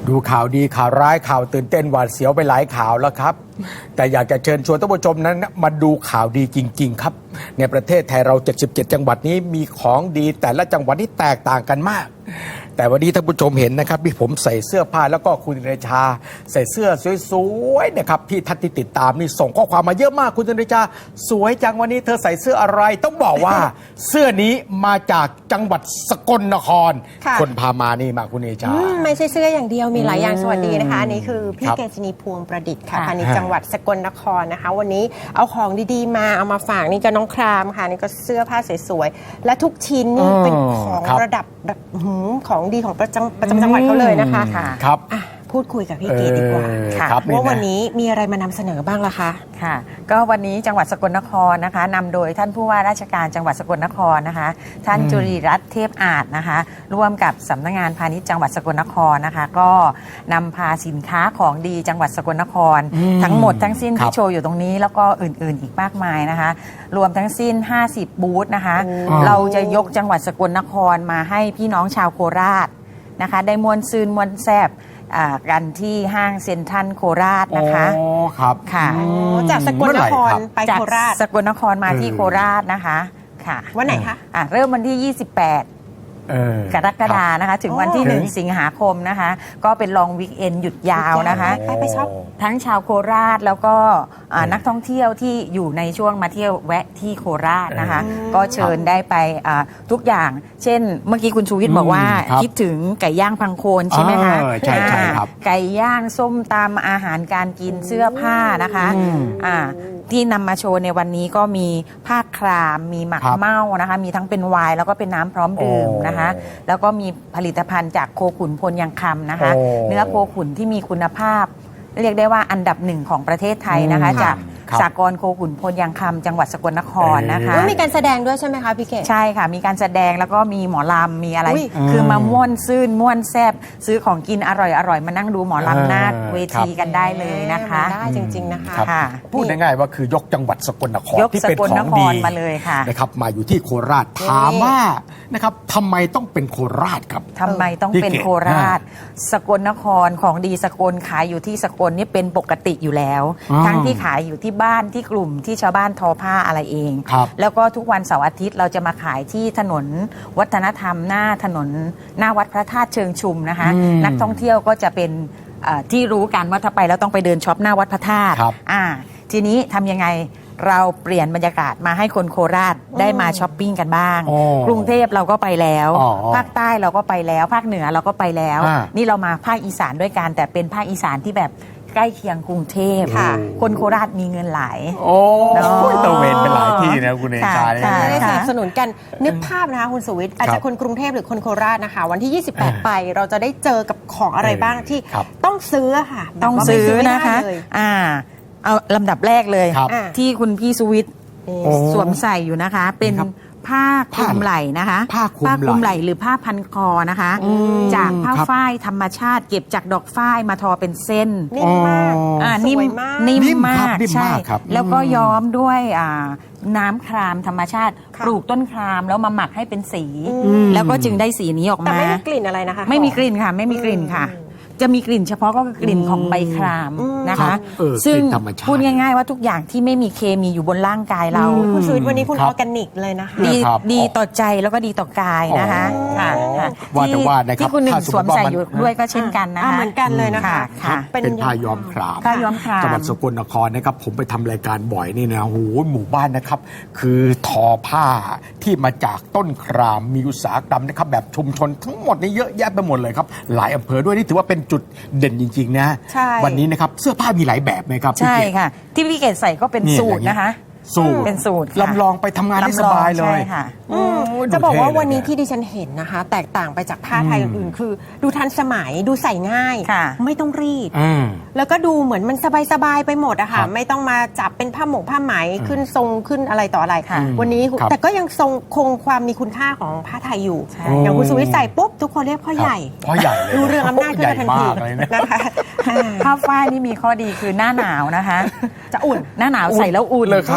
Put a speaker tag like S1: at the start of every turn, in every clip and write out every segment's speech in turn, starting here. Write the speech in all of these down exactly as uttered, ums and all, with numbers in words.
S1: ดูข่าวดีข่าวร้ายข่าวตื่นเต้นหวาดเสียวไปหลายข่าวแล้วครับแต่อยากจะเชิญชวนท่านผู้ชมนั้นมาดูข่าวดีจริงๆครับในประเทศไทยเราเจ็ดสิบเจ็ดจังหวัดนี้มีของดีแต่ละจังหวัดที่แตกต่างกันมากแต่วันนี้ท่านผู้ชมเห็นนะครับที่ผมใส่เสื้อผ้าแล้วก็คุณเดชาใส่เสื้อสวยๆนะครับที่ท่านที่ติดตามนี่ส่งข้อความมาเยอะมากคุณเดชาสวยจังวันนี้เธอใส่เสื้ออะไรต้องบอกว่า เสื้อนี้มาจากจังหวัดสกลนครคนพามานี่มาคุณเดชา
S2: ไม่ใช่เสื้ออย่างเดียวมีหลายอย่างสวัสดีนะคะอันนี้คือพี่เกษณีพวงประดิษฐ์ค่ะพาณิชย์จังหวัดสกลนครนะคะวันนี้เอาของดีๆมาเอามาฝากนี่ก็น้องครามค่ะนี่ก็เสื้อผ้าสวยๆและทุกชิ้นนี่เป็นของระดับแบบของดีของประจำประจำจังหวัดเขาเลยนะคะ
S1: ครับ
S2: พูดคุยกับพี่เกดดีกว่าค่ะว่าวันนี้มีอะไรมานำเสนอบ้างล่ะคะ
S3: ค่ะก็วันนี้จังหวัดสกลนครนะคะนำโดยท่านผู้ว่าราชการจังหวัดสกลนครนะคะท่านจุรีรัตน์เทพอาจนะคะร่วมกับสำนักงานพาณิชย์จังหวัดสกลนครนะคะก็นำพาสินค้าของดีจังหวัดสกลนครทั้งหมดทั้งสิ้นที่โชว์อยู่ตรงนี้แล้วก็อื่นๆอีกมากมายนะคะรวมทั้งสิ้นห้าสิบบูธนะคะเราจะยกจังหวัดสกลนครมาให้พี่น้องชาวโคราชนะคะได้มวลซืนมวลแซบกันที่ห้างเซ็นทรัลโคราชนะคะ
S1: อ๋อครับ
S3: ค่ะ
S2: จากสกลนครไปโคราช
S3: สกลนครมาที่โคราชนะคะค่ะ
S2: วันไหนคะ
S3: ะเริ่มวันที่ยี่สิบแปดกรกฎานะคะถึงวันที่หนึ่งสิงหาคมนะคะก็เป็นลองวีคเอนด์หยุดยาวนะคะ
S2: ไปไปช็อป
S3: ทั้งชาวโคราชแล้วก็นักท่องเที่ยวที่อยู่ในช่วงมาเที่ยวแวะที่โคราชนะคะก็เชิญได้ไปทุกอย่างเช่นเมื่อกี้คุณชูวิทย์บอกว่าคิดถึงไก่ย่างพังโคนใช่ไหมคะ
S1: ใช่ใช่ครับ
S3: ไก่ย่างส้มตำอาหารการกินเสื้อผ้านะคะที่นำมาโชว์ในวันนี้ก็มีผ้าครามมีหมักเม่านะคะมีทั้งเป็นไวน์แล้วก็เป็นน้ำพร้อมดื่มนะคะแล้วก็มีผลิตภัณฑ์จากโคขุนพลยังคำนะคะเนื้อโคขุนที่มีคุณภาพเรียกได้ว่าอันดับหนึ่งของประเทศไทยนะคะจากสากลโคขุนพลยังคำจังหวัดสกลนครนะคะ
S2: มีการแสดงด้วยใช่ไหมคะพี่เกศ
S3: ใช่ค่ะมีการแสดงแล้วก็มีหมอลำมีอะไรคือมาม่วนซื่นม่วนแซบซื้อของกินอร่อยอร่อยมานั่งดูหมอลำหน้าเวทีกันได้เลยนะคะ
S2: ได้จริงๆนะคะ
S1: พูดง่ายๆว่าคือยกจังหวัดสกลนครที่เป็นของดี
S3: มาเลยค่ะ
S1: นะครับมาอยู่ที่โคราชถามว่านะครับทำไมต้องเป็นโคราชครับ
S3: ทำไมต้องเป็นโคราชสกลนครของดีสกลขายอยู่ที่สกลนี่เป็นปกติอยู่แล้วทั้งที่ขายอยู่ที่บ้านที่กลุ่มที่ชาวบ้านทอผ้าอะไรเองแล้วก็ทุกวันเสาร์อาทิตย์เราจะมาขายที่ถนนวัฒนธรรมหน้าถนนหน้าวัดพระธาตุเชิงชุมนะคะนักท่องเที่ยวก็จะเป็นที่รู้กันว่าถ้าไปแล้วต้องไปเดินช็อปหน้าวัดพระธาตุทีนี้ทำยังไงเราเปลี่ยนบรรยากาศมาให้คนโคราชได้มาช้อปปิ้งกันบ้างกรุงเทพเราก็ไปแล้วภาคใต้เราก็ไปแล้วภาคเหนือเราก็ไปแล้วนี่เรามาภาคอีสานด้วยกันแต่เป็นภาคอีสานที่แบบใกล้เคียงกรุงเทพคนโคราชมีเงินหลาย
S1: โอ้ตะเวนเป็นหลายที่นะคุณเอชา
S2: ได้สนับสนุนกันนึกภาพนะคะคุณสุวิทย์อาจจะคนกรุงเทพหรือคนโคราชนะคะวันที่ยี่สิบแปดไปเราจะได้เจอกับของอะไรบ้างที่ต้องซื้อค่ะ
S3: ต้องซื้อนะคะอ่าเอาลำดับแรกเลยที่คุณพี่สุวิทย์สวมใส่อยู่นะคะเป็นผ้าคลุมไหล่นะคะ
S1: ผ้าคลุม
S3: ไหล่หรือผ้าพันคอนะคะจากผ้าฝ้ายธรรมชาติเก็บจากดอกฝ้ายมาทอเป็นเส้น
S2: นิ่มมาก
S3: นิ่มนิ่มมากใช่แล้วก็ย้อมด้วยน้ำครามธรรมชาติปลูกต้นครามแล้วมาหมักให้เป็นสีแล้วก็จึงได้สีนี้ออกมา
S2: แต่ไม่มีกลิ่นอะไรนะคะ
S3: ไม่มีกลิ่นค่ะไม่มีกลิ่นค่ะจะมีกลิ่นเฉพาะก็คือกลิ่นของใบครามนะคะซึ่งพูดง่ายๆว่าทุกอย่างที่ไม่มีเคมีอยู่บนร่างกายเรา
S2: คุณสุวิทย์วันนี้คุณออร์แกนิกเลยนะคะ
S3: ดีดีต่อใจแล้วก็ดีต่อกายนะคะ
S1: ว่าแต่ว่านะครับ
S3: ที่คุณหนึ่งสวมใส่อยู่ด้วยก็เช่นกันนะคะ
S2: เหมือนกันเลยนะคะ
S1: เป็นผ้าย้อมคราม
S3: ผ้าย้อมคราม
S1: จังหวัดสกลนครนะครับผมไปทำรายการบ่อยนี่นะโหหมู่บ้านนะครับคือทอผ้าที่มาจากต้นครามมีอุตสาหกรรมนะครับแบบชุมชนทั้งหมดนี่เยอะแยะไปหมดเลยครับหลายอำเภอด้วยนี่ถือว่าเป็นจุดเด่นจริงๆนะวันนี้นะครับเสื้อผ้ามีหลายแบบไหมครับ
S3: ใช่ค่ะที่พี่เกศใส่ก็เป็นสูตรนะคะ
S1: สูตร
S3: เป็นสูตร
S1: ลำลองไปทำงานได้สบายเลย
S3: ค่ะ
S2: จะบอกว่าวันนี้ที่ดิฉันเห็นนะคะแตกต่างไปจากผ้าไทยอื่นๆคือดูทันสมัยดูใส่ง่ายไม่ต้องรีดแล้วก็ดูเหมือนมันสบายๆไปหมดอะค่ะไม่ต้องมาจับเป็นผ้าหมกผ้าไหมขึ้นทรงขึ้นอะไรต่ออะไรวันนี้แต่ก็ยังทรงคงความมีคุณค่าของผ้าไทยอยู่อย่างคุณสุวิทย์ใส่ปุ๊บทุกคนเรียกพ่อใหญ่
S1: พ่อใหญ่
S2: ดูเรื่องอำนาจขึ้นมาทันทีนะคะ
S3: ผ้าฝ้ายนี่มีข้อดีคือหน้าหนาวนะคะจะอุ่นหน้าหนาวใส่แล้วอุ่น
S1: เลยครับ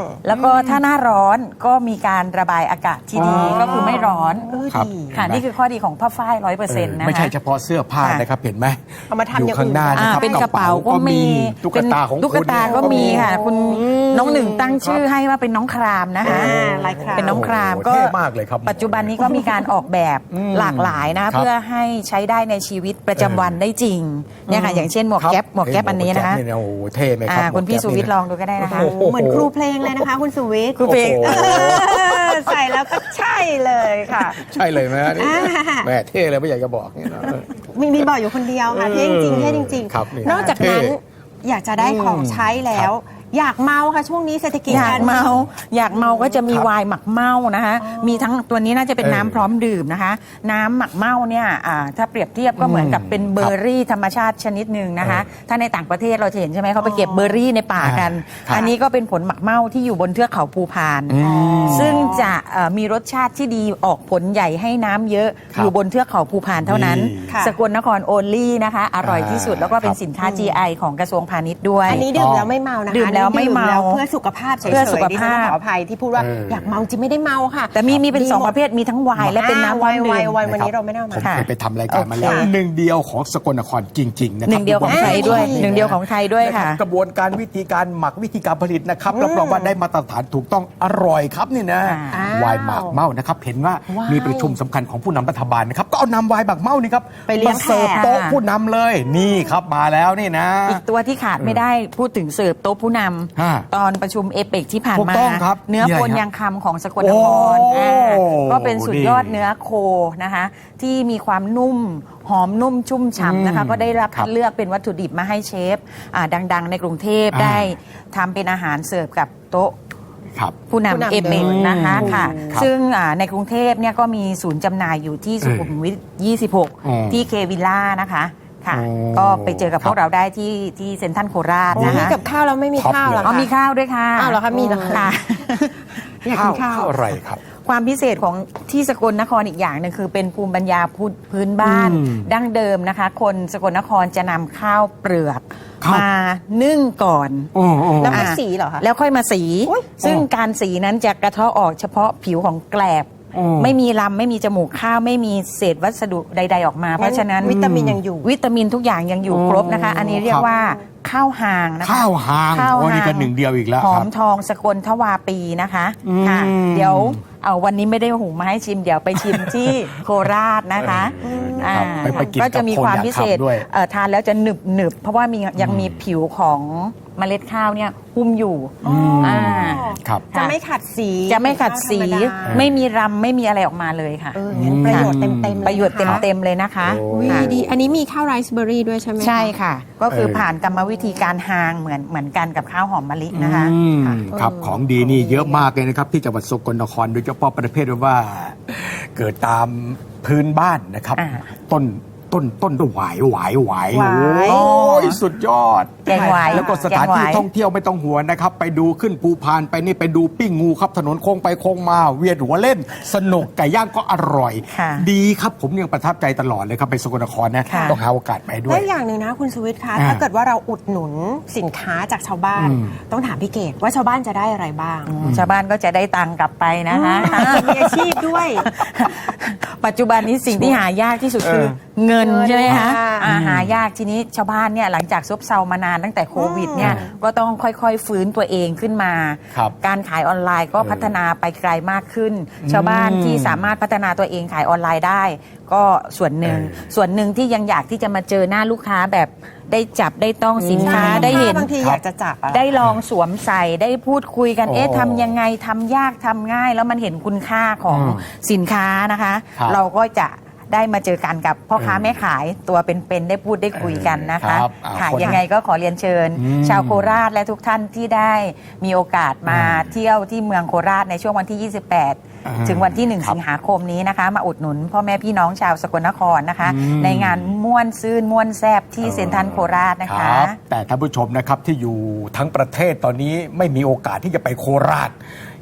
S3: แล้วก็ถ้าหน้าร้อนก็มีการระบายอากาศที่ดี
S1: อ๋อ
S3: ก็คือไม่ร้อน
S2: เออ
S1: ครับ
S2: ดี
S3: ค่ะนี่คือข้อดีของผ้าฝ้ายร้อยเปอร์เซ็นต์นะคะ
S1: ไม่ใช่เฉพาะเสื้อผ้า
S3: ค่ะ
S1: นะครับเห็นไหม
S2: เอามาทำ
S1: อยู่
S2: อย่าง
S1: ข้างหน้า
S2: อื่น
S1: นะครับ
S3: อ่าเป็นกระเป๋าก็มี
S1: ตุ๊กตาของ
S3: ตุ๊กตาก็มีค่ะ คุณน้องหนึ่งตั้งชื่อให้ว่าเป็นน้องครามนะคะ
S2: อ่าลายคราม
S3: เป็นน้องคราม
S1: โอ้โห
S3: ก็
S1: เท่มากเลยครับ
S3: ปัจจุบันนี้ก็มีการออกแบบ
S1: อืม
S3: หลากหลายนะ
S1: ครับ
S3: เพื่อให้ใช้ได้ในชีวิตประจำวันได้จริงเนี่ยค่ะอย่างเช่นหมวกแก๊ปหมวกแก๊ปอันนี้นะคะ
S1: หมวกแก๊ปเยโอ้โหเท่ไหมครั
S3: อ่า
S1: บ
S3: คุณพี่
S1: หม
S3: สุ
S1: กแก๊ป
S3: วิทย์ลองดูก็ได้นะคะ
S1: โอ้โห
S2: เหมือนครูเพลงเลยนะคะ คุณสุวิทย์
S3: ครูเพลง
S1: โอ้โห
S2: ใส่แล้วก็ใช่เลยค่ะ
S1: ใช่เลยไหมฮะนี่
S2: อ่า
S1: แม่เท่เลยไม่อยากจะบอกเนี่ยนะ
S2: มีมีบอกอยู่คนเดียวค่ะ
S1: เออ
S2: เท่จริงๆเท่จริง
S1: ครับนี่
S2: นอกจากนั้น
S1: เท่
S2: อยากจะได้ของใช้แล้ว อยากเมาค่ะช่วงนี้เศรษฐกิจ
S3: อยากเมา
S2: ร
S3: อยากเมาก็จะมี
S1: ครับ
S3: ไวน์หมักเมานะคะ มีทั้งตัวนี้น่าจะเป็น
S1: เออ
S3: น้ำพร้อมดื่มนะคะ น้ำหมักเมาเนี่ยอ่าถ้าเปรียบเทียบก็เหมือนกับเป็นเบอร์รี่ธรรมชาติชนิดหนึ่งนะคะ ถ้าในต่างประเทศเราจะเห็นใช่ไหมเขาไปเก็บเบอร์รี่ในป่ากัน
S1: ครับ
S3: อันนี้ก็เป็นผลหมักเมาที่อยู่บนเทือกเขาภูพาน
S1: อืม
S3: ซึ่งจะเอ่อมีรสชาติที่ดีออกผลใหญ่ให้น้ำเยอะ
S1: ครับ
S3: อยู่บนเทือกเขาภูพานเท่านั้น
S1: นี่
S2: ค่ะ
S3: สกลนครโอลี่นะคะ อร่อยที่สุดแล้วก็เป็น
S1: ครับ
S3: สินค้า จี ไอ ของกระทรวงพาณิชย์ด้วย
S2: อันนี้ดื่มแล้วไม่เมานะคะ
S3: ดื่มแล้วไม่เมา
S2: อันนี้ดื่แล้วเพื่อสุขภาพเฉยๆ
S3: เพื่อสุขภาพ
S2: ดิฉันขออภัยที่พูดว่า
S1: เอออ
S2: อยากเมาจริงไม่ได้เมาค่ะ
S3: แต่มีมีเป็น
S2: ดี
S3: สอง
S2: หมด
S3: ประเภทมีทั้งไวน์และเป็นน้ำ
S2: ไว
S3: พร้อม
S2: น์ไว
S3: ดื่ม
S2: น์ไวน์วันนี้เราไม่ได้เอามา
S1: ผม
S3: ค่ะ
S1: เคยไปทำรายการมาแล้ว
S3: โอเค
S1: หนึ่งเดียวของสกลนครจริงๆนะครั
S3: หนึ่งเดียวของไทยด้วย
S2: อ่า
S3: หนึ่งเดียวของไทยด้วยค่ะ
S1: กระบวนการวิธีการหมักวิธีการผลิตนะครับรับรองว่าได้มาตรฐานถูกต้องอร่อยครับนี่นะ
S3: อ้าว
S1: ไวน์หมากเมานะครับเห็นว่า
S2: ว้าย
S1: มีประชุมสำคัญของผู้นำรัฐบาลนะครับก็เอานำไวน์หมากเมานี่ครับ
S2: ไปเลี้ยง
S1: มาเสิร์ฟ
S2: แขก
S1: โต๊ะผู้นำเลยนี่ครับมาแล้วนี่นะ
S3: อีกตัวที่ขาดไม่ได้พูดถึงเสิร์ฟโต๊ะผู้น
S1: ฮะ
S3: ำตอนประชุมเอเปกที่ผ่าน
S1: ถูก
S3: มา
S1: ต้องครับ
S3: เนื้อ
S1: นี่อะไร
S3: โคน
S1: ฮะ
S3: ยางคำของสกลนคร
S1: โอ้
S3: อ่าก็เป็นสุดยอด
S1: ดี
S3: เนื้อโคนะคะ ที่มีความนุ่มหอมนุ่มชุ่มฉ่ำนะคะ
S1: อืม
S3: ก็ได้รับ
S1: ครับ
S3: คัดเลือกเป็นวัตถุดิบมาให้เชฟอ่าดัง ๆ ในกรุงเทพ
S1: อ่า
S3: ได้ทำเป็นอาหารเสิร์ฟกับโต๊ะ
S1: ครับ
S3: ผู้
S2: ผู้นำ
S3: นำเอเปก
S2: เลย
S3: นะคะ
S1: อืม
S3: ค่ะ
S1: ครับ
S3: ซึ่งอ่าในกรุงเทพเนี่ยก็มีศูนย์จำหน่ายอยู่ที่สุขุมวิทยี่สิบหก
S1: อืม
S3: ที่เควิลล่านะคะค่ะ
S1: โอ้
S3: ก็ไปเจอกับ
S1: ครับ
S3: พวกเราได้ที่ที่เซ็นทรัลโคราช
S2: โอ้
S3: นะ
S2: ย
S3: คะ
S2: กับข้าวแล้วไม่มี
S1: ท็อป
S2: ข้าวเหรอ
S1: เลย
S3: อ๋อ
S2: คะ
S3: มีข้าวด้วยค่ะ
S2: อ้าวเหรอคะมีเหรอคะ
S3: ค่ะ
S2: อยากกินข้าว
S1: อะไรครับ
S3: ความพิเศษของที่สกลนครอีกอย่างหนึงคือเป็นภูมิปัญญาพื้นบ้าน
S1: อืม
S3: ดั้งเดิมนะคะ คนสกลนครจะนำข้าวเปลือก
S1: ครับ
S3: มานึ่งก่อน
S1: โอ้โอ้
S2: แล้วค่อย
S3: อ่า
S2: สีเหรอคะ
S3: แล้วค่อยมาสี
S2: อุ๊ย
S3: ซึ่ง
S1: อ๋อ
S3: การสีนั้นจะกระเทาะออกเฉพาะผิวของแกลบ
S1: อ๋อ
S3: ไม่มีลำไม่มีจมูกข้าวไม่มีเศษวัสดุใด ๆ ออกมา เพราะฉะนั้น
S2: วิตามินยังอยู่
S3: วิตามินทุกอย่างยังอยู่
S1: อ๋อ
S3: ครบนะคะ อันนี้เรีย
S1: ค
S3: ก
S1: รับ
S3: ว่าข้าวหางนะคะ
S1: ข้าวหาง
S3: ข้าว
S1: โอ้นี่
S3: หาง
S1: ก็หนึ่งเดียวอีกแล้ว
S3: หอ
S1: ครั
S3: ม
S1: บ
S3: ทองสกลทวาปีนะคะ
S1: อืม
S3: ค่ะ เดี๋ยวเอาวันนี้ไม่ได้หุงมาให้ชิม เดี๋ยวไปชิมที่โคราชนะคะ
S1: เออ
S3: อ่า
S1: ครับไปไปกิน
S3: ก็จะมี
S1: กับคน
S3: ความ
S1: อยาก
S3: พิเศษ
S1: ขับด้วย
S3: เอ่อทานแล้วจะหนึบหนึบเพราะว่ามียังมีผิวของเมล็ดข้าวเนี่ยหุ้มอยู่
S1: ม
S3: อ่า
S1: ครับ
S2: จะไม่ขัดสี
S3: จะไม่ขัดสี
S2: ธรรมดา
S3: ไม่มีรำไม่มีอะไรออกมาเลยค่ะ
S2: เอองั้นประโยชน์เต็มๆเลย
S3: ประโยชน์
S2: นะคะ
S3: เต็มๆเลยนะคะ
S1: โอ้
S2: วี
S3: ค่ะ
S2: ดีอันนี้มีข้าวไรซ์เบอร์รี่ด้วยใช่ไหมคะ
S3: ใช่ค่ะ ก็คือ
S1: เออ
S3: ผ่านกรรมวิธีการหางเหมือนเหมือนกันกับข้าวหอมมะลินะคะ
S1: อืม
S3: ค่ะ
S1: ครับของดีนี่เยอะมากเลยนะครับที่จังหวัดสกลนครโดยเฉพาะประเภทว่า เกิดตามพื้นบ้านนะครับ
S3: อ่า
S1: ต้นต้นต้นหวายหวายหวาย
S2: หวาย
S1: โอ้ยสุดยอด
S3: แกงหวาย
S1: แล้วก็สถานที่
S3: แกงหวาย
S1: ท่องเที่ยวไม่ต้องหัวงนะครับ ไปดูขึ้นภูพานไปนี่ไปดูปิ้งงูครับถนนโค้งไปโค้งมาเวียนหัวเล่น สนุกไก่ย่างก็อร่อย
S3: ค่ะ
S1: ดีครับผมยังประทับใจตลอดเลยครับไปสกลนครนะ
S3: ค่ะ
S1: ต้องหาโอกาสไปด้ว
S2: แล้
S1: ย
S2: วอย่างหนึ่งนะคุณสุวิทย์คะ
S1: อ่า
S2: ถ้าเกิดว่าเราอุดหนุนสินค้าจากชาวบ้าน
S1: อืม
S2: ต้องถามพี่เกดว่าชาวบ้านจะได้อะไรบ้าง
S3: ชาวบ้านก็จะได้ตังค์กลับไปนะคะ
S2: อ่ามีอาชีพด้วย
S3: ปัจจุบันนี้สิ่งที่หายากที่สุดคือ
S1: เออ
S3: เงิน
S2: เงิน
S3: ใช่ไหมคะ
S2: ค่ะ
S3: อ่าหายากทีนี้ชาวบ้านเนี่ยหลังจากซบเซามานานตั้งแต่โควิดเนี่ย
S1: อืม
S3: ก็ต้องค่อยๆฟื้นตัวเองขึ้นมา
S1: ครับ
S3: การขายออนไลน์ก็
S1: เออ
S3: พัฒนาไปไกลมากขึ้น ชาวบ้านที่สามารถพัฒนาตัวเองขายออนไลน์ได้ ก็ส่วนหนึ่ง
S1: เออ
S3: ส่วนหนึ่งที่ยังอยากที่จะมาเจอหน้าลูกค้าแบบได้จับได้ต้องสินค้า
S2: ใช่
S3: ได้เห็น
S2: บางทีอยากจะจับอะ
S3: ได้ลองสวมใส่ได้พูดคุยกัน
S1: โอ้
S3: เอ๊ะทำยังไงทำยากทำง่าย แล้วมันเห็นคุณค่าของ
S1: อืม
S3: สินค้านะคะ
S1: ครับ
S3: เราก็จะได้มาเจอกันกับพ่อค้า
S1: เออ
S3: แม่ขายตัวเป็นๆได้พูดได้คุยกันนะคะ
S1: ครับอ่า
S3: ค่ะ
S1: คน
S3: ยังไงก็ขอเรียนเชิญ
S1: อืม
S3: ชาวโคราชและทุกท่านที่ได้มีโอกาสมา
S1: อืม
S3: เที่ยวที่เมืองโคราชในช่วงวันที่ ยี่สิบแปด
S1: อ่า
S3: ถึงวันที่ 1
S1: ครับ
S3: สิงหาคมนี้นะคะ มาอุดหนุนพ่อแม่พี่น้องชาวสกลนครนะคะ
S1: อืม
S3: ในงานม่วนซื่นม่วนแซบที่เซ็นทรัลโคราชนะ
S1: ค
S3: คะ
S1: รับแต่ท่านผู้ชมนะครับที่อยู่ทั้งประเทศตอนนี้ไม่มีโอกาสที่จะไปโคราช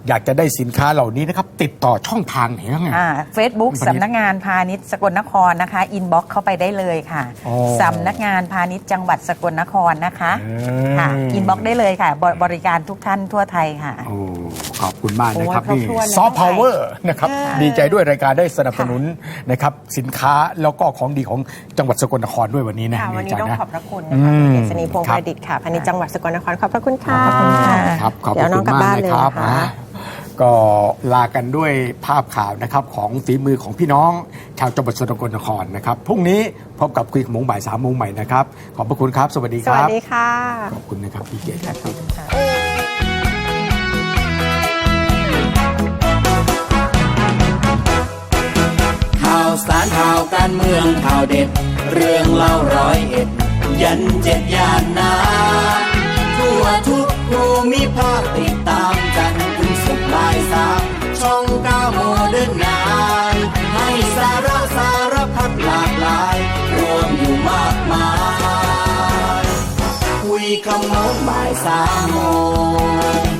S1: อยากจะได้สินค้าเหล่านี้นะครับติดต่อช่องทางไหนบ้างไง
S3: เฟซบุ๊กสำนักงานพาณิชย์สกลนครนะคะอินบ็อกเข้าไปได้เลยค่ะ
S1: อ๋อ
S3: สำนักงานพาณิชย์จังหวัดสกลนครนะคะ
S1: อืม
S3: ค่ะอินบ็อกได้เลยค่ะบบบริการทุกท่านทั่วไทยค่ะ
S1: โอ้ขอบคุณมากนะครับ
S2: โอ้ย
S1: นี่
S2: ครบถ้วนเลย
S1: ซอฟต์พาวเวอร์นะครับ
S2: ค่ะ
S1: ดีใจด้วยรายการได้สนับสนุนนะครับสินค้าแล้วก็ของดีของจังหวัดสกลนครด้วยวันนี้นะ
S2: ค่ะวันนี้
S1: าจาร
S2: ต้อง
S1: ย์นะ
S2: ขอบพระคุณนะคะ
S1: อืม
S2: คุณเกษณีพงษ์
S1: ค
S2: ป
S1: รับ
S2: ระดิษฐ์ค่ะพาณิชย์จังหวัดสกลนครขอบพระคุณค่ะ
S3: ขอบคุณค่ะ
S1: ครับขอบ
S2: เดี๋ยวน้
S1: คุ
S2: อง
S1: ณ
S2: กลับ
S1: มาก
S2: บ้าน
S1: นะ
S2: เลย
S1: ครับ
S2: นะคะ
S1: นะก็ลากันด้วยภาพข่าวนะครับของฝีมือของพี่น้องชาวจังหวัดสกลนครนะครับพรุ่งนี้พบกับคุยกับหมงบ่ายสามโมงใหม่นะครับขอบพระคุณครับ สวัสดี
S2: ส
S1: ค
S2: วัส
S1: รับ
S2: ดีค่ะ
S1: ขอบคุณนะครับพี่เกียรติครับ
S4: ข่าวสารข่าวการเมืองข่าวเด็ด เรื่องเล่าร้อยเอ็ด ยันเจ็ดย่านนาทั่วทุกภูมิภาคติดตามกันถึงสุขบ่ายสามช่องเก้าโมเดิร์นไนน์ให้สาระสารพัดหลากหลาย รวมอยู่มากมาย คุยคำโน้นบ่ายสามโมง